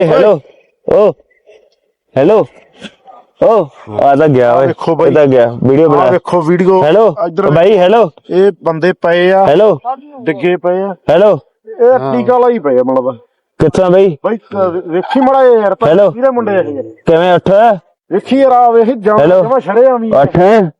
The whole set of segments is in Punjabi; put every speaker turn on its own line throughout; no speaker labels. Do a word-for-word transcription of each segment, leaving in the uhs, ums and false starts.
हेलो ओ हेलो ओ ਆਦਾ ਗਿਆ ਓਏ
ਦੇਖੋ ਬਾਈ
ਕਿੱਦਾਂ ਗਿਆ ਵੀਡੀਓ ਬਣਾ
ਦੇਖੋ ਵੀਡੀਓ
ਹੈਲੋ
ਇੱਧਰ
ਬਾਈ ਹੈਲੋ
ਇਹ ਬੰਦੇ ਪਏ ਆ
ਹੈਲੋ
ਡਿੱਗੇ ਪਏ ਆ
ਹੈਲੋ
ਇਹ ਟੀਕਾ ਲਾਈ ਪਏ ਆ ਮਤਲਬ
ਕਿੱਥੋਂ ਬਾਈ
ਬਾਈ ਵੇਖੀ ਮੜਾ ਯਾਰ ਕਿਹਦੇ ਮੁੰਡੇ ਆ ਇਹ
ਕਿਵੇਂ ਉੱਠ
ਵੇਖੀ ਯਾਰ ਆ ਵੇਖ ਜਮਾ ਛੜੇ ਆਵੀਂ
ਉੱਠ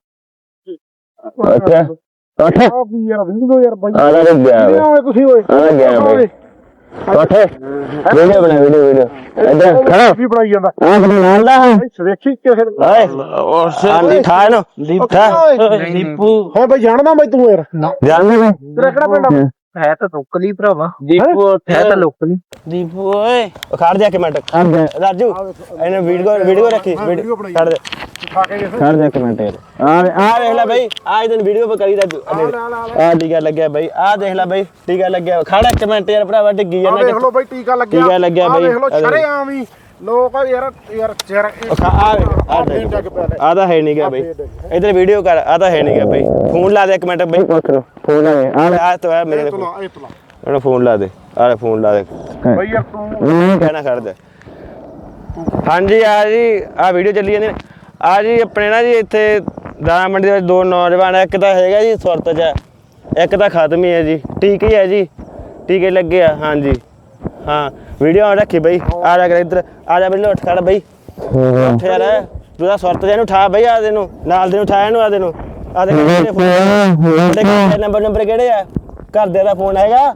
ਉੱਠ ਉੱਠ
ਆ ਵੀ ਯਾਰ ਵੀਡੀਓ ਯਾਰ ਬਾਈ
ਆ ਗਿਆ
ਕਿਹਦੇ ਆਏ ਤੁਸੀਂ ਓਏ
ਆ ਗਿਆ ਬਾਈ ਉੱਠ ਵੀਡੀਓ ਬਣਾ ਵੀਡੀਓ ਵੀਡੀਓ ਇੱਧਰ ਖੜਾ
ਵੀ ਬਣਾਈ ਜਾਂਦਾ
ਆ ਬਣਾ ਲਾ
ਵੇਖੀ ਕਿਸੇ
ਓਏ ਆਂਦੀ ਠਾ ਇਹਨੂੰ ਦੀਪਾ
ਦੀਪੂ ਹਾਂ ਬਾਈ ਜਾਣਦਾ ਬਾਈ ਤੂੰ ਯਾਰ
ਜਾਣਦੇ ਮੈਂ
ਤੇਰਾ ਕਿਹੜਾ ਪਿੰਡ ਆ
ਹੈ ਤਾਂ ਲੋਕਲੀ ਭਰਾਵਾ ਦੀਪੂ ਹੈ ਤਾਂ ਲੋਕਲੀ
ਦੀਪੂ ਓਏ ਖੜ ਜਾ ਕੇ ਮਿੰਟ ਰਾਜੂ ਇਹਨੇ ਵੀਡੀਓ ਵੀਡੀਓ ਰੱਖੀ ਵੀਡੀਓ ਖੜ ਦੇ
ਖਾ ਕੇ
ਖੜ ਜਾ ਕੇ ਮਿੰਟ ਆ ਆ ਦੇਖ ਲੈ ਬਾਈ ਆ ਇਹਨੂੰ ਵੀਡੀਓ ਪਰ ਕਰੀ ਰਾਜੂ ਆ ਟੀਕਾ ਲੱਗਿਆ ਬਾਈ ਆ ਦੇਖ ਲੈ ਬਾਈ ਟੀਕਾ ਲੱਗਿਆ ਖੜ ਇੱਕ ਮਿੰਟ ਯਾਰ ਭਰਾਵਾ ਡਿੱਗੀ ਜਾਂਦਾ
ਦੇਖ ਲਓ ਬਾਈ ਟੀਕਾ ਲੱਗਿਆ
ਟੀਕਾ ਲੱਗਿਆ ਬਾਈ
ਦੇਖ ਲਓ ਛੜੇ ਆਵੀਂ ਲੋਕ ਯਾਰ ਯਾਰ ਚਿਹਰਾ
ਆ ਆ ਤਾਂ ਹੈ ਨਹੀਂ ਗਿਆ ਬਾਈ ਇਧਰ ਵੀਡੀਓ ਕਰ ਆ ਤਾਂ ਹੈ ਨਹੀਂ ਗਿਆ ਬਾਈ ਫੋਨ ਲਾ ਦੇ ਇੱਕ ਮਿੰਟ ਬਾਈ ਫੋਨ ਲਾ ਦੇ ਆ ਆ ਤਾਂ ਮੇਰੇ
ਇਹ ਤੁਲਾ ਇਹ ਤੁਲਾ
ਉਹਨੂੰ ਫੋਨ ਲਾ ਦੇ ਆ ਫੋਨ ਲਾ ਦੇ
ਬਾਈ ਯਾਰ ਤੂੰ
ਕਹਿਣਾ ਖੜ ਦੇ ਹਾਂਜੀ ਆ ਜੀ ਆ ਵੀਡੀਓ ਚੱਲੀ ਜਾਂਦੀ ਆ ਜੀ ਆਪਣੇ ਨਾ ਜੀ ਇੱਥੇ ਦਾਣਾ ਮੰਡੀ ਦੇ ਵਿੱਚ ਦੋ ਨੌਜਵਾਨ ਇੱਕ ਤਾਂ ਹੈਗਾ ਜੀ ਸੁਰਤ 'ਚ ਇੱਕ ਤਾਂ ਖਤਮ ਹੀ ਹੈ ਜੀ ਟੀਕੇ ਹੈ ਜੀ ਟੀਕੇ ਲੱਗੇ ਆ ਹਾਂਜੀ ਹਾਂ ਵੀਡੀਓ ਰੱਖੀ ਬਈ ਆ ਜਾ ਕਰ ਇੱਧਰ ਆ ਜਾ ਬਈ ਉੱਠ ਖੜ ਬਈ ਉੱਠ ਯਾਰ ਤੂੰ ਤਾਂ ਸੁਰਤ ਜਿਹਨੂੰ ਉਠਾ ਬਈ ਆ ਦੇ ਨੂੰ ਨਾਲ ਦੇ ਨੂੰ ਉਠਾਇਆ ਇਹਨੂੰ ਆ ਦੇ ਨੂੰ ਆ ਦੇ ਨੰਬਰ ਨੰਬਰ ਕਿਹੜੇ ਆ ਘਰਦੇ ਦਾ ਫੋਨ ਹੈਗਾ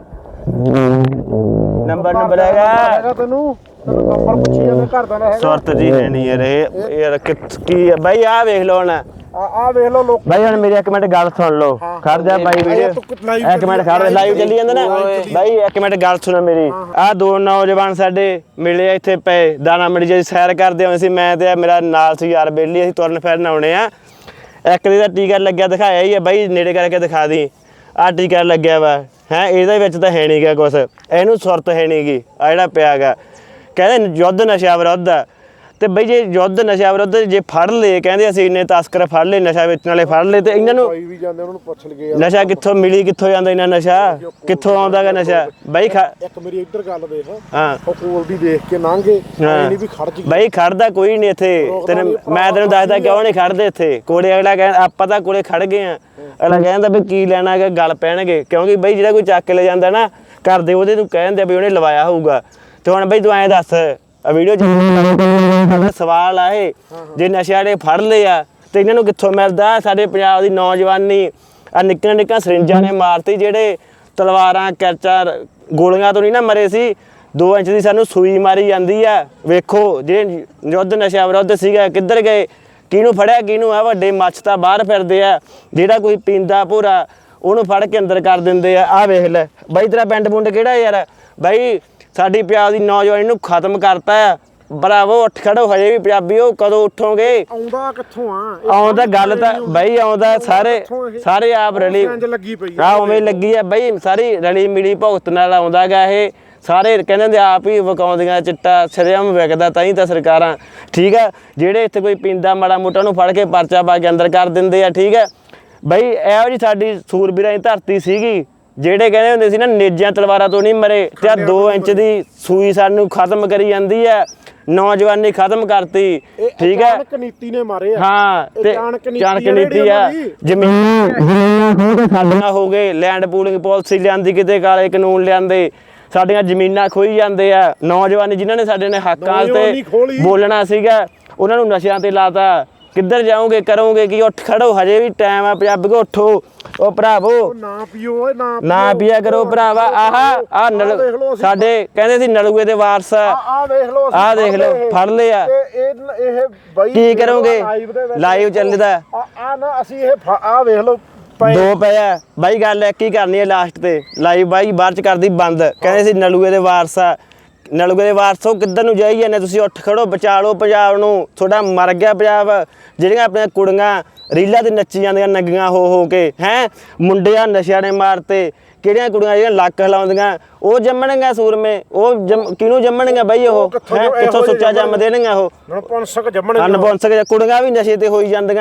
ਨੰਬਰ ਨੰਬਰ ਹੈਗਾ
ਤੈਨੂੰ ਨੰਬਰ ਪੁੱਛੀ ਜਾਂਦੇ ਘਰ ਦਾ ਹੈਗਾ
ਸੁਰਤ ਜੀ ਹੈ ਨਹੀਂ ਯਾਰ ਇਹ ਯਾਰ ਕੀ ਹੈ ਬਾਈ ਆ ਵੇਖ ਲਓ ਨਾ
ਆ ਆ ਵੇਖ ਲਓ ਲੋਕ
ਬਾਈ ਹੁਣ ਮੇਰੀ ਇੱਕ ਮਿੰਟ ਗੱਲ ਸੁਣ ਲਓ ਖੜ ਜਾ ਬਾਈ ਵੀਡੀਓ ਇੱਕ ਮਿੰਟ ਖੜ ਲਾਈਵ ਚੱਲੀ ਜਾਂਦਾ ਨਾ ਬਾਈ ਇੱਕ ਮਿੰਟ ਗੱਲ ਸੁਣੋ ਮੇਰੀ ਆ ਦੋ ਨੌਜਵਾਨ ਸਾਡੇ ਮਿਲੇ ਇੱਥੇ ਪਏ ਦਾਣਾ ਮੰਡੀ ਜੀ ਸੈਰ ਕਰਦੇ ਹੋਏ ਸੀ ਮੈਂ ਤੇ ਮੇਰਾ ਨਾਲ ਸੀ ਯਾਰ ਬੇਲੀ ਅਸੀਂ ਤੁਰਨ ਫਿਰਨ ਆਉਣੇ ਆ ਇੱਕ ਦੀ ਦਾ ਟੀਕਾ ਲੱਗਿਆ ਦਿਖਾਇਆ ਹੀ ਹੈ ਬਾਈ ਨੇੜੇ ਕਰਕੇ ਦਿਖਾ ਦੀ ਆ ਟੀਕਾ ਲੱਗਿਆ ਵਾ ਹੈ ਇਹਦੇ ਵਿੱਚ ਤਾਂ ਹੈ ਨਹੀਂ ਗਾ ਕੁਛ ਇਹਨੂੰ ਸੁਰਤ ਹੈ ਨਹੀਂ ਗੀ ਆ ਜਿਹੜਾ ਪਿਆ ਗਾ ਕਹਿੰਦੇ ਯੁੱਧ ਨਸ਼ਾ ਵਿਰੁੱਧ ਆ ਤੇ ਬਈ ਜੇ ਯੁੱਧ ਨਸ਼ਾ ਵਿਰੁੱਧ ਜੇ ਫੜ ਲਏ ਕਹਿੰਦੇ ਅਸੀਂ ਇੰਨੇ ਤਸਕਰ ਫੜ ਲਏ ਨਸ਼ਾ ਵੇਚਣ ਵਾਲੇ ਫੜ ਲਏ ਤੇ ਇਹਨਾਂ ਨੂੰ
ਵੀ ਜਾਂਦੇ ਉਹਨਾਂ ਨੂੰ ਪੁੱਛ ਲਗੇ
ਨਸ਼ਾ ਕਿੱਥੋਂ ਮਿਲੀ ਕਿੱਥੋਂ ਜਾਂਦਾ ਇਹਨਾਂ ਨਸ਼ਾ ਕਿੱਥੋਂ ਆਉਂਦਾ ਗਾ ਨਸ਼ਾ ਬਈ
ਇੱਕ ਮੇਰੀ ਇੱਧਰ ਗੱਲ ਦੇਖ
ਹਾਂ
ਉਹ ਕੋਲ ਦੀ ਦੇਖ ਕੇ ਲੰਘੇ ਨਹੀਂ ਵੀ ਖੜ ਜੀ
ਬਈ ਖੜਦਾ ਕੋਈ ਨਹੀਂ ਇੱਥੇ ਤੈਨੂੰ ਮੈਂ ਤੈਨੂੰ ਦੱਸਦਾ ਕਿਉਂ ਨਹੀਂ ਖੜਦੇ ਇੱਥੇ ਕੋਲੇ ਅਗਲਾ ਕਹਿੰਦਾ ਆਪਾਂ ਤਾਂ ਕੋਲੇ ਖੜ ਗਏ ਆ ਅਗਲਾ ਕਹਿੰਦਾ ਵੀ ਕੀ ਲੈਣਾ ਹੈਗਾ ਗੱਲ ਪੈਣਗੇ ਕਿਉਂਕਿ ਬਈ ਜਿਹੜਾ ਕੋਈ ਚੱਕ ਕੇ ਲੈ ਜਾਂਦਾ ਨਾ ਕਰਦੇ ਉਹਦੇ ਨੂੰ ਕਹਿੰਦੇ ਵੀ ਉਹਨੇ ਲਵਾਇਆ ਹੋਊਗਾ ਤੇ ਹੁਣ ਬਈ ਤੂੰ ਐਂ ਦੱਸ ਆ ਵੀਡੀਓ ਸਾਡਾ ਸਵਾਲ ਆ ਇਹ ਜੇ ਨਸ਼ੇ ਵਾਲੇ ਫੜ ਲਏ ਆ ਤੇ ਇਹਨਾਂ ਨੂੰ ਕਿੱਥੋਂ ਮਿਲਦਾ ਸਾਡੇ ਪੰਜਾਬ ਦੀ ਨੌਜਵਾਨੀ ਆ ਨਿੱਕੀਆਂ ਨਿੱਕੀਆਂ ਸਰਿੰਜਾਂ ਨੇ ਮਾਰਤੀ ਜਿਹੜੇ ਤਲਵਾਰਾਂ ਕੈਚਾਂ ਗੋਲੀਆਂ ਤੋਂ ਨਹੀਂ ਨਾ ਮਰੇ ਸੀ ਦੋ ਇੰਚ ਦੀ ਸਾਨੂੰ ਸੂਈ ਮਾਰੀ ਜਾਂਦੀ ਆ ਵੇਖੋ ਜਿਹੜੇ ਯੁੱਧ ਨਸ਼ਾ ਵਿਰੁੱਧ ਸੀਗਾ ਕਿੱਧਰ ਗਏ ਕਿਹਨੂੰ ਫੜਿਆ ਕਿਹਨੂੰ ਆ ਵੱਡੇ ਮੱਛ ਤਾਂ ਬਾਹਰ ਫਿਰਦੇ ਆ ਜਿਹੜਾ ਕੋਈ ਪੀਂਦਾ ਭੂਰਾ ਉਹਨੂੰ ਫੜ ਕੇ ਅੰਦਰ ਕਰ ਦਿੰਦੇ ਆ ਆ ਵੇਖ ਲੈ ਬਾਈ ਤੇਰਾ ਪਿੰਡ ਪੁੰਡ ਕਿਹੜਾ ਯਾਰ ਬਾਈ ਸਾਡੀ ਪੰਜਾਬ ਦੀ ਨੌਜਵਾਨੀ ਨੂੰ ਖਤਮ ਕਰਤਾ ਆ ਬਰਾਵੋ ਉੱਠ ਖੜੋ ਹਜੇ ਵੀ ਪੰਜਾਬੀਓ ਕਦੋਂ ਉੱਠੋਗੇ
ਆਉਂਦਾ ਕਿੱਥੋਂ ਆ
ਆਉਂਦਾ ਗੱਲ ਤਾਂ ਬਾਈ ਆਉਂਦਾ ਸਾਰੇ ਸਾਰੇ ਆਪ ਰਲੀ
ਲੱਗੀ ਪਈ
ਆ ਉਵੇਂ ਲੱਗੀ ਆ ਬਾਈ ਸਾਰੀ ਰਲੀ ਮਿਲੀ ਭੁਗਤ ਨਾਲ ਆਉਂਦਾ ਗਾ ਇਹ ਸਾਰੇ ਕਹਿੰਦੇ ਹੁੰਦੇ ਆਪ ਹੀ ਵਕਾਉਂਦੀਆਂ ਚਿੱਟਾ ਸ਼ਰੇਆਮ ਵਿਕਦਾ ਤਾਂ ਹੀ ਤਾਂ ਸਰਕਾਰਾਂ ਠੀਕ ਆ ਜਿਹੜੇ ਇੱਥੇ ਕੋਈ ਪੀਂਦਾ ਮਾੜਾ ਮੋਟਾ ਨੂੰ ਫੜ ਕੇ ਪਰਚਾ ਪਾ ਕੇ ਅੰਦਰ ਕਰ ਦਿੰਦੇ ਆ ਠੀਕ ਆ ਬਾਈ ਇਹੋ ਜੀ ਸਾਡੀ ਸੂਰਬੀਰਾਂ ਦੀ ਧਰਤੀ ਸੀਗੀ ਜਿਹੜੇ ਕਹਿੰਦੇ ਹੁੰਦੇ ਸੀ ਨਾ ਨੇਜਾਂ ਤਲਵਾਰਾਂ ਤੋਂ ਨਹੀਂ ਮਰੇ ਤੇ ਆ ਦੋ ਇੰਚ ਦੀ ਸੂਈ ਸਾਨੂੰ ਖਤਮ ਕਰੀ ਜਾਂਦੀ ਆ ਨੌਜਵਾਨੀ ਖਤਮ ਕਰਤੀ ਠੀਕ ਹੈ
ਚਾਣਕ ਨੀਤੀ ਨੇ ਮਾਰੇ ਆ
ਹਾਂ ਤੇ ਚਾਣਕ ਨੀਤੀ ਆ ਜ਼ਮੀਨ ਖੋਹ ਕੇ ਸਾਡੀਆਂ ਹੋ ਗਏ ਲੈਂਡ ਪੂਲਿੰਗ ਪਾਲਿਸੀ ਲਿਆਂਦੀ ਕਿਤੇ ਕਾਲੇ ਕਾਨੂੰਨ ਲਿਆਂਦੇ ਸਾਡੀਆਂ ਜ਼ਮੀਨਾਂ ਖੋਈ ਜਾਂਦੇ ਆ ਨੌਜਵਾਨ ਜਿਨ੍ਹਾਂ ਨੇ ਸਾਡੇ ਨੇ ਹੱਕਾਂ ਤੇ ਬੋਲਣਾ ਸੀਗਾ ਉਹਨਾਂ ਨੂੰ ਨਸ਼ਿਆਂ ਤੇ ਲਾਤਾ ਕਿੱਧਰ ਜਾਓਗੇ ਕਰੋਗੇ ਕੀ ਉੱਠ ਖੜੋ ਹਜੇ ਵੀ ਟਾਈਮ ਆ ਪੰਜਾਬੀ ਕੋ ਉੱਠੋ ਉਹ ਭਰਾਵੋ
ਨਾ ਪੀਓ ਓਏ ਨਾ
ਨਾ ਪੀਆ ਕਰੋ ਭਰਾਵਾ ਆਹ ਆ ਸਾਡੇ ਕਹਿੰਦੇ ਸੀ ਨਲੂਏ ਦੇ ਵਾਰਸ
ਆ ਵੇਖ ਲਓ
ਆ ਦੇਖ ਲਓ ਫੜ ਲਏ ਆ
ਇਹ ਇਹ ਬਾਈ
ਕੀ ਕਰੋਗੇ ਲਾਈਵ ਚੱਲਦਾ
ਆ ਨਾ ਅਸੀਂ ਇਹ ਆ ਵੇਖ ਲਓ
ਦੋ ਪਏ ਆ ਬਾਈ ਗੱਲ ਇੱਕ ਹੀ ਕਰਨੀ ਹੈ ਲਾਸਟ ਤੇ ਲਾਈਵ ਬਾਈ ਬਾਅਦ ਚ ਕਰਦੀ ਬੰਦ ਕਹਿੰਦੇ ਸੀ ਨਲੂਏ ਦੇ ਵਾਰਸ ਆ ਨਲੂਏ ਦੇ ਵਾਰਸੋ ਕਿੱਧਰ ਨੂੰ ਜਾਈ ਜਾਂਦੇ ਤੁਸੀਂ ਉੱਠ ਖੜੋ ਬਚਾ ਲਓ ਪੰਜਾਬ ਨੂੰ ਤੁਹਾਡਾ ਮਰ ਗਿਆ ਪੰਜਾਬ ਜਿਹੜੀਆਂ ਆਪਣੀਆਂ ਕੁੜੀਆਂ ਰੀਲਾਂ ਤੇ ਨੱਚੀ ਜਾਂਦੀਆਂ ਨੰਗੀਆਂ ਹੋ ਹੋ ਕੇ ਹੈ ਮੁੰਡਿਆਂ ਨਸ਼ਿਆਂ ਨੇ ਮਾਰਤੇ ਕਿਹੜੀਆਂ ਕੁੜੀਆਂ ਜਿਹੜੀਆਂ ਲੱਕ ਹਿਲਾਉਂਦੀਆਂ ਉਹ ਜੰਮਣਗੀਆਂ ਸੂਰਮੇ ਉਹ ਕਿਹਨੂੰ ਜੰਮਣਗੀਆਂ ਬਾਈ ਉਹ ਕਿੱਥੋਂ ਸੁੱਚਾ ਜੰਮ ਦੇਣਗੀਆਂ ਉਹ
ਨਪੁੰਸਕ ਜੰਮਣਗੀਆਂ
ਨਪੁੰਸਕ ਕੁੜੀਆਂ ਵੀ ਨਸ਼ੇ ਤੇ ਹੋਈ ਜਾਂਦੀਆਂ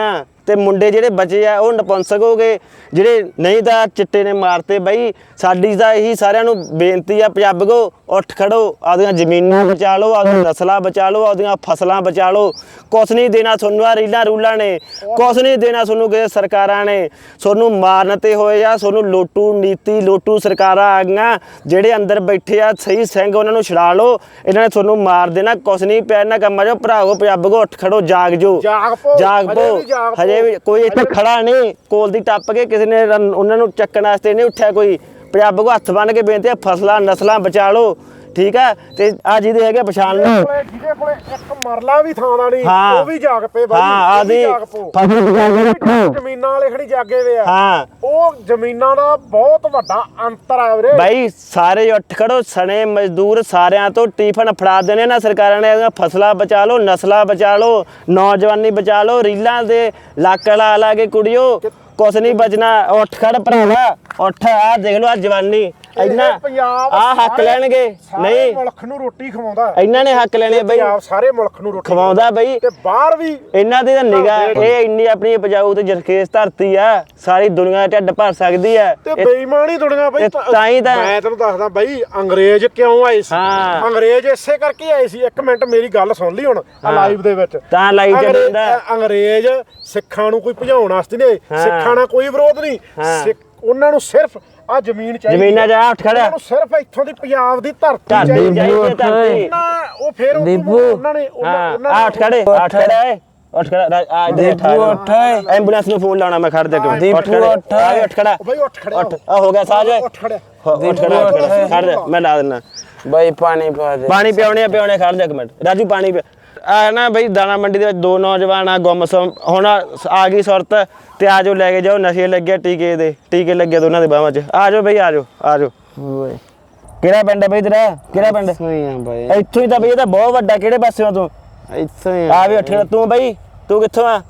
ਤੇ ਮੁੰਡੇ ਜਿਹੜੇ ਬਚੇ ਆ ਉਹ ਨਪੁੰਸਕ ਹੋ ਗਏ, ਜਿਹੜੇ ਨਹੀਂ ਤਾਂ ਚਿੱਟੇ ਨੇ ਮਾਰਤੇ। ਬਈ ਸਾਡੀ ਤਾਂ ਇਹੀ ਸਾਰਿਆਂ ਨੂੰ ਬੇਨਤੀ ਆ, ਪੰਜਾਬੀਓ ਉੱਠ ਖੜੋ, ਆਪਦੀਆਂ ਜ਼ਮੀਨਾਂ ਬਚਾ ਲਓ, ਆਪਦੀਆਂ ਨਸਲਾਂ ਬਚਾ ਲਓ, ਆਪਦੀਆਂ ਫਸਲਾਂ ਬਚਾ ਲਓ। ਕੁਛ ਨਹੀਂ ਦੇਣਾ ਤੁਹਾਨੂੰ ਆ ਰੀਲਾਂ ਰੂਲਾਂ ਨੇ, ਕੁਛ ਨਹੀਂ ਦੇਣਾ ਤੁਹਾਨੂੰ ਕਿਸੇ ਸਰਕਾਰਾਂ ਨੇ। ਤੁਹਾਨੂੰ ਮਾਰਨ ਤੇ ਹੋਏ ਆ, ਤੁਹਾਨੂੰ ਲੋਟੂ ਨੀਤੀ ਲੋਟੂ ਸਰਕਾਰਾਂ ਆ ਗਈਆਂ। ਜਿਹੜੇ ਅੰਦਰ ਬੈਠੇ ਆ ਸਹੀ ਸਿੰਘ ਉਹਨਾਂ ਨੂੰ ਛੁਡਾ ਲਓ, ਇਹਨਾਂ ਨੇ ਤੁਹਾਨੂੰ ਮਾਰ ਦੇਣਾ। ਕੁਛ ਨਹੀਂ ਪਿਆ ਇਹਨਾਂ ਕੰਮਾਂ 'ਚੋਂ। ਭਰਾਵੋ ਪੰਜਾਬੀਓ ਉੱਠ ਖੜੋ, ਜਾਗ ਜੋ,
ਜਾਗ ਪੋ,
ਜਾਗ
ਹਜੇ
ਪੋ।
ਵੀ ਜਾਗ ਪੋ।
ਹਜੇ ਵੀ ਕੋਈ ਇੱਥੇ ਖੜਾ ਨਹੀਂ, ਕੋਲ ਦੀ ਟੱਪ ਕੇ ਕਿਸੇ ਨੇ ਰਨ- ਉਹਨਾਂ ਨੂੰ ਚੱਕਣ ਵਾਸਤੇ ਨਹੀਂ ਉੱਠਿਆ ਕੋਈ। ਪੰਜਾਬੀਓ ਹੱਥ ਬੰਨ੍ਹ ਕੇ ਬੇਨਤੀ ਆ, ਫਸਲਾਂ ਨਸਲਾਂ ਬਚਾ ਲਓ, ਠੀਕ ਆ। ਤੇ ਆ ਜਿਹਦੇ ਹੈਗੇ ਪਛਾਣ ਲਓ।
ਕੋਲੇ ਜਿਹਦੇ ਕੋਲੇ ਇੱਕ ਮਰਲਾ ਵੀ ਥਾਂ ਦਾ ਨਹੀਂ,
ਹਾਂ।
ਉਹ ਵੀ ਜਾਗ ਪਏ ਬਾਈ,
ਹਾਂ,
ਉਹ ਵੀ
ਆਦੀ
ਜਾਗ ਪੋ।
ਫਸਲ ਬਚਾ ਕੇ ਰੱਖੋ।
ਜ਼ਮੀਨਾਂ ਵਾਲੇ ਖੜੀ ਜਾਗੇ ਵੇ ਆ,
ਹਾਂ
ਉਹ ਜ਼ਮੀਨਾਂ ਦਾ ਬਹੁਤ ਵੱਡਾ ਅੰਤਰ ਆ ਵੀਰੇ।
ਬਾਈ ਸਾਰੇ ਉੱਠ ਖੜੋ, ਸਣੇ ਮਜ਼ਦੂਰ ਸਾਰਿਆਂ ਤੋਂ ਟਿਫਨ ਫੜਾ ਦੇਣੇ ਨਾ ਸਰਕਾਰਾਂ ਨੇ। ਇਹਦੀਆਂ ਫਸਲਾਂ ਬਚਾ ਲਓ, ਨਸਲਾਂ ਬਚਾ ਲਓ, ਨੌਜਵਾਨੀ ਬਚਾ ਲਓ। ਰੀਲਾਂ ਦੇ ਲੱਕ ਲਾ ਲਾ ਕੇ ਕੁੜੀਓ, ਕੁਛ ਨਹੀਂ ਬਚਣਾ। ਉੱਠ ਖੜ ਭਰਾਵਾ, ਉੱਠ। ਆ ਦੇਖ ਲਓ ਆ ਜਵਾਨੀ, ਇੰਨਾ
ਪੰਜਾਬ
ਆ ਹੱਕ
ਸਾਰੇ-
ਲੈਣਗੇ।
ਸਾਰੇ
ਨਹੀਂ
ਮੁਲਕ ਨੂੰ ਰੋਟੀ ਖਵਾਉਂਦਾ,
ਇਹਨਾਂ ਨੇ ਹੱਕ ਲੈਣੇ ਬਈ,
ਪੰਜਾਬ ਸਾਰੇ ਮੁਲਕ ਨੂੰ ਰੋਟੀ
ਖਵਾਉਂਦਾ ਬਈ।
ਤੇ ਬਾਹਰ ਵੀ
ਇਹਨਾਂ ਦੀ ਤਾਂ ਨਿਗਾਹ, ਇਹ ਇੰਨੀ ਆਪਣੀ ਉਪਜਾਊ ਤੇ ਜਰਖੇਜ਼ ਧਰਤੀ ਆ, ਸਾਰੀ ਦੁਨੀਆ ਢਿੱਡ ਭਰ ਸਕਦੀ ਆ।
ਤੇ ਬੇਈਮਾਨੀ ਦੁਨੀਆ ਬਈ।
ਇਹ ਤਾਂ ਹੀ ਤਾਂ-
ਮੈਂ ਤੈਨੂੰ ਦੱਸਦਾ ਬਈ, ਅੰਗਰੇਜ਼ ਕਿਉਂ ਆਏ ਸੀ?
ਹਾਂ।
ਅੰਗਰੇਜ਼ ਇਸੇ ਕਰਕੇ ਆਏ ਸੀ। ਇੱਕ ਮਿੰਟ ਮੇਰੀ ਗੱਲ ਸੁਣ ਲਈ ਹੁਣ ਆ ਲਾਈਵ ਦੇ ਵਿੱਚ।
ਤਾਂ ਲਾਈਵ ਚ
ਅੰਗਰੇਜ਼-
ਦਿੰਦਾ।
ਅੰਗਰੇਜ਼ ਸਿੱਖਾਂ ਨੂੰ ਕੋਈ ਭਜਾਉਣ ਵਾਸਤੇ ਨਹੀਂ, ਸਿੱਖਾਂ ਨਾਲ ਕੋਈ ਵਿਰੋਧ ਨਹੀਂ। ਸਿੱਖ ਉਹਨਾਂ ਨੂੰ ਸਿਰਫ ਆ ਜ਼ਮੀਨ ਚਾਹੀਦੀ,
ਜ਼ਮੀਨਾਂ ਜਾ ਉੱਠ ਖੜਿਆ,
ਉਹਨਾਂ ਨੂੰ ਸਿਰਫ ਇੱਥੋਂ ਦੀ ਪੰਜਾਬ ਦੀ ਧਰਤੀ
ਧਰਤੀ
ਚਾਹੀਦੀ।
ਚਾਹੀਦੀ ਹੈ, ਧਰਤੀ।
ਨਾ ਉਹ ਫੇਰ ਉਹ
ਦੀਪੂ।
ਉਹਨਾਂ ਨੇ ਉਹਨਾਂ
ਹਾਂ
ਉਹਨਾਂ
ਆ ਉੱਠ ਖੜੇ, ਉੱਠ ਖੜਾ ਏ, ਉੱਠ ਖੜਾ। ਆ ਇੱਧਰ
ਦੀਪੂ ਉੱਠ ਏ।
ਐਂਬੂਲੈਂਸ ਨੂੰ ਫੋਨ ਲਾਉਣਾ ਮੈਂ, ਖੜ ਦੇ ਕੇ।
ਦੀਪੂ
ਉੱਠ ਖੜੇ,
ਉੱਠ ਏ।
ਆ ਵੀ ਉੱਠ ਖੜਾ,
ਉਹ ਬਈ ਉੱਠ ਖੜਿਆ,
ਉੱਠ। ਆ ਹੋ ਗਿਆ ਸਾਜ,
ਉੱਠ ਖੜਿਆ।
ਉੱਠ ਖੜਾ, ਉੱਠ ਖੜਾ, ਖੜ ਦੇ, ਮੈਂ ਲਾ ਦਿੰਦਾ
ਬਾਈ ਪਾਣੀ ਪਾ ਦੇ।
ਪਾਣੀ ਪਿਆਉਣੇ ਆ, ਪਿਆਉਣੇ। ਖੜ ਜਾ ਇੱਕ ਮਿੰਟ ਰਾਜੂ, ਪਾਣੀ ਪਿਆ। ਆ ਨਾ ਬਈ ਦਾਣਾ ਮੰਡੀ ਦੇ ਵਿੱਚ ਦੋ ਨੌਜਵਾਨ ਆ ਗੁੰਮਸਮ। ਹੁਣ ਆ ਗਈ ਸੁਰਤ ਤੇ ਆ ਜਾਓ, ਲੈ ਕੇ ਜਾਓ। ਨਸ਼ੇ ਲੱਗੇ, ਟੀਕੇ ਦੇ ਟੀਕੇ ਲੱਗੇ ਦੋਨਾਂ ਦੇ ਬਾਹਾਂ 'ਚ। ਆ ਜਾਓ ਬਈ, ਆ ਜਾਓ, ਆ ਜਾਓ।
ਓਏ
ਕਿਹੜਾ ਪਿੰਡ ਹੈ ਬਈ ਤੇਰਾ? ਕਿਹੜਾ ਪਿੰਡ?
ਸਹੀ ਆ ਬਾਈ,
ਇੱਥੋਂ ਹੀ ਤਾਂ ਬਈ, ਇਹ ਤਾਂ ਬਹੁਤ ਵੱਡਾ। ਕਿਹੜੇ ਪਾਸਿਓਂ ਤੂੰ?
ਇੱਥੇ
ਆ ਵੀ ਉੱਠ ਖੜਾ। ਤੂੰ ਬਈ, ਤੂੰ ਕਿੱਥੋਂ ਆ?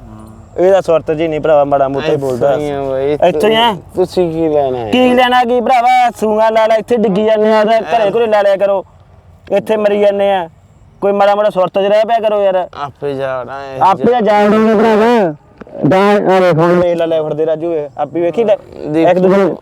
ਇਹਦਾ ਸੁਰਤ ਜੀ ਨਹੀਂ ਭਰਾਵਾ, ਮਾੜਾ ਮੋਟਾ ਹੀ ਬੋਲਦਾ। ਇੱਥੋਂ ਹੀ ਆ?
ਤੁਸੀਂ ਕੀ ਲੈਣਾ ਹੈ?
ਕੀ ਲੈਣਾ ਕੀ ਭਰਾਵਾ? ਸੂਗਾ ਲਾ ਲੈ, ਇੱਥੇ ਡਿੱਗੀ ਜਾਂਦੇ ਆ। ਤਾਂ ਘਰੇ ਘਰੇ ਲਾ ਲਿਆ ਕਰੋ, ਇੱਥੇ ਮਰੀ ਜਾਂਦੇ ਆ। ਕੋਈ ਮਾੜਾ ਮੋਟਾ ਸੁਰਤ 'ਚ ਰਹਿ ਪਿਆ ਕਰੋ ਯਾਰ।
ਆਪੇ ਜਾਣਾ ਹੈ।
ਆਪੇ ਤਾਂ ਜਾਣਦੇ ਭਰਾਵਾ। ਦਾ ਆ ਵੇਖ ਹੁਣ ਵੇਖ ਲੈ, ਲੈ ਫੜਦੇ ਰਾਜੂ ਇਹ ਆਪੀ ਵੇਖੀ ਲੈ ਇੱਕ ਦੂਜੇ ਨੂੰ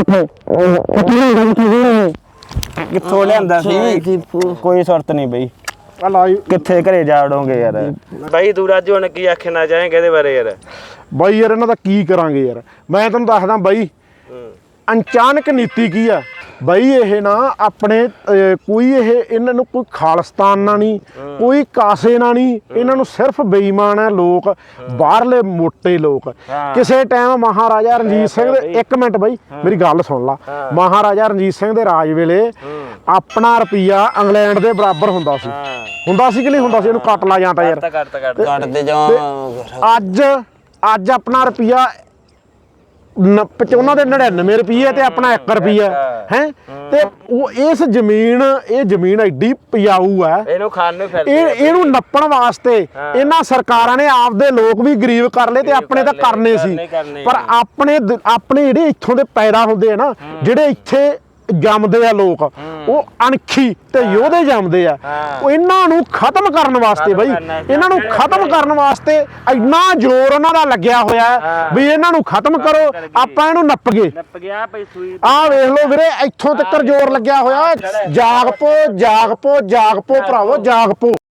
ਕਿੱਥੋਂ ਲਿਆਂਦਾ ਸੀ। ਕੋਈ ਸੁਰਤ ਨਹੀਂ ਬਈ,
ਆ ਲਾਈਵ
ਕਿੱਥੇ ਘਰੇ ਜਾੜੋਗੇ ਯਾਰ। ਬਾਈ ਤੂੰ ਰਾਜੂ ਹੁਣ ਕੀ ਆਖਣਾ ਚਾਹੇਂਗੇ ਇਹਦੇ ਬਾਰੇ ਯਾਰ?
ਬਾਈ ਯਾਰ ਇਹਨਾਂ ਦਾ ਕੀ ਕਰਾਂਗੇ ਯਾਰ। ਮੈਂ ਤੈਨੂੰ ਦੱਸਦਾ ਬਾਈ, ਅਚਾਨਕ ਨੀਤੀ ਕੀ ਆ ਬਾਈ। ਇਹ ਨਾ ਆਪਣੇ ਅਹ, ਕੋਈ ਇਹ ਇਹਨਾਂ ਨੂੰ ਕੋਈ ਖਾਲਿਸਤਾਨ ਨਾਲ ਨਹੀਂ, ਕੋਈ ਕਾਸੇ ਨਾਲ ਨਹੀਂ। ਇਹਨਾਂ ਨੂੰ ਸਿਰਫ ਬੇਈਮਾਨ ਹੈ ਲੋਕ, ਬਾਹਰਲੇ ਮੋਟੇ ਲੋਕ। ਕਿਸੇ ਟਾਈਮ ਮਹਾਰਾਜਾ ਰਣਜੀਤ ਸਿੰਘ ਦੇ, ਇੱਕ ਮਿੰਟ ਬਾਈ ਮੇਰੀ ਗੱਲ ਸੁਣ ਲਾ। ਮਹਾਰਾਜਾ ਰਣਜੀਤ ਸਿੰਘ ਦੇ ਰਾਜ ਵੇਲੇ ਆਪਣਾ ਰੁਪਈਆ ਇੰਗਲੈਂਡ ਦੇ ਬਰਾਬਰ ਹੁੰਦਾ ਸੀ। ਹੁੰਦਾ ਸੀ ਕਿ ਨਹੀਂ ਹੁੰਦਾ ਸੀ? ਇਹਨੂੰ ਕੱਟ ਲਾ ਜਾਂਦਾ ਯਾਰ,
ਕੱਟ ਕੱਟ
ਕੱਟਦੇ ਜਾਵਾਂ।
ਅੱਜ ਅੱਜ ਆਪਣਾ ਰੁਪਈਆ ਉਹਨਾਂ ਦੇ ਨੜਿਨਵੇਂ ਰੁਪਈਏ ਤੇ ਆਪਣਾ ਇੱਕ ਰੁਪਈਆ ਹੈ। ਤੇ ਉਹ ਇਸ ਜ਼ਮੀਨ, ਇਹ ਜ਼ਮੀਨ ਐਡੀ ਉਪਜਾਊ ਹੈ,
ਇਹਨੂੰ ਖਾਣ ਨੂੰ ਫਿਰਦੇ
ਇਹ ਇਹਨੂੰ ਨੱਪਣ ਵਾਸਤੇ ਇਹਨਾਂ ਸਰਕਾਰਾਂ ਨੇ ਆਪਦੇ ਲੋਕ ਵੀ ਗਰੀਬ ਕਰ ਲਏ ਤੇ ਆਪਣੇ ਤਾਂ ਕਰਨੇ ਸੀ। ਪਰ ਆਪਣੇ ਦ- ਆਪਣੇ ਜਿਹੜੇ ਇੱਥੋਂ ਦੇ ਪੈਦਾ ਹੁੰਦੇ ਆ ਨਾ, ਜਿਹੜੇ ਇੱਥੇ ਜੰਮਦੇ ਆ ਲੋਕ, ਉਹ ਅਣਖੀ ਤੇ ਯੋਧੇ ਜੰਮਦੇ ਆ। ਉਹ ਇਹਨਾਂ ਨੂੰ ਖਤਮ ਕਰਨ ਵਾਸਤੇ ਬਈ, ਇਹਨਾਂ ਨੂੰ ਖਤਮ ਕਰਨ ਵਾਸਤੇ ਇੰਨਾ ਜ਼ੋਰ ਉਹਨਾਂ ਦਾ ਲੱਗਿਆ ਹੋਇਆ ਹੈ ਵੀ ਇਹਨਾਂ ਨੂੰ ਖਤਮ ਕਰੋ, ਆਪਾਂ ਇਹਨੂੰ ਨੱਪ ਗਏ।
ਨੱਪ ਗਿਆ ਪਈ ਸੂਈ।
ਆਹ ਵੇਖ ਲਓ ਵੀਰੇ, ਇੱਥੋਂ ਤੱਕ ਜ਼ੋਰ ਲੱਗਿਆ ਹੋਇਆ। ਜਾਗ ਪੋ, ਜਾਗ ਪੋ, ਜਾਗ ਪੋ ਭਰਾਵੋ, ਜਾਗ ਪੋ।